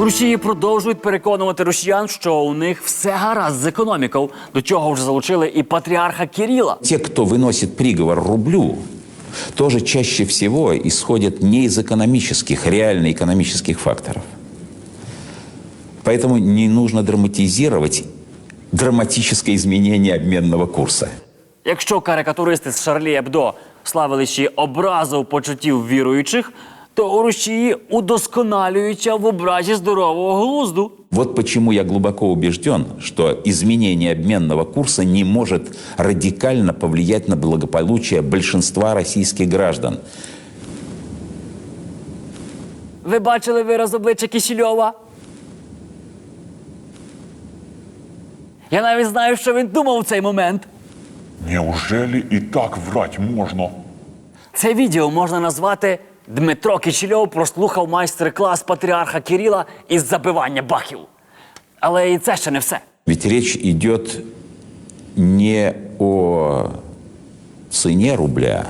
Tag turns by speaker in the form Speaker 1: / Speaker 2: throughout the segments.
Speaker 1: Росії продовжують переконувати росіян, що у них все гаразд з економікою. До чого вже залучили і патріарха Кирила.
Speaker 2: Те, кто выносит приговор рублю, тоже чаще всего исходят не из экономических, реально экономических факторов. Поэтому не нужно драматизировать драматическое изменение обменного курса.
Speaker 1: Якщо карикатуристи з Шарлі Ебдо славили ще образу почуттів віруючих, то у Росії удосконалюються в образі здорового глузду.
Speaker 2: Вот почему я глубоко убежден, что изменение обменного курса не может радикально повлиять на благополучие большинства российских граждан.
Speaker 1: Ви бачили вираз обличчя Кисельова? Я навіть знаю, що він думав у цей момент.
Speaker 3: Неужели и так врать можно?
Speaker 1: Це відео можна назвати «Дмитро Кисельов прослухав майстер-клас патріарха Кирила із забивання бахів». Але і це ще не все.
Speaker 2: Ведь речь идет не о цене рубля,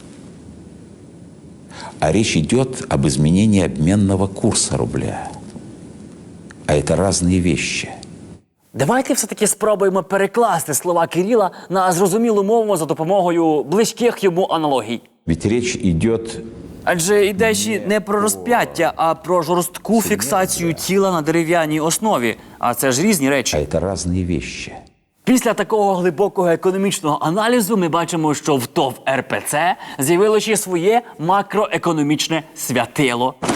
Speaker 2: а речь идет об изменении обменного курса рубля. А это разные вещи.
Speaker 1: Давайте все-таки спробуємо перекласти слова Кирила на зрозумілу мову за допомогою близьких йому аналогій.
Speaker 2: Ведь речь идет
Speaker 1: Адже йде ще не про розп'яття, а про жорстку фіксацію тіла на дерев'яній основі. А це ж різні
Speaker 2: а
Speaker 1: речі.
Speaker 2: это разные вещи.
Speaker 1: Після такого глибокого економічного аналізу ми бачимо, що в ТОВ РПЦ з'явилося своє макроекономічне святило.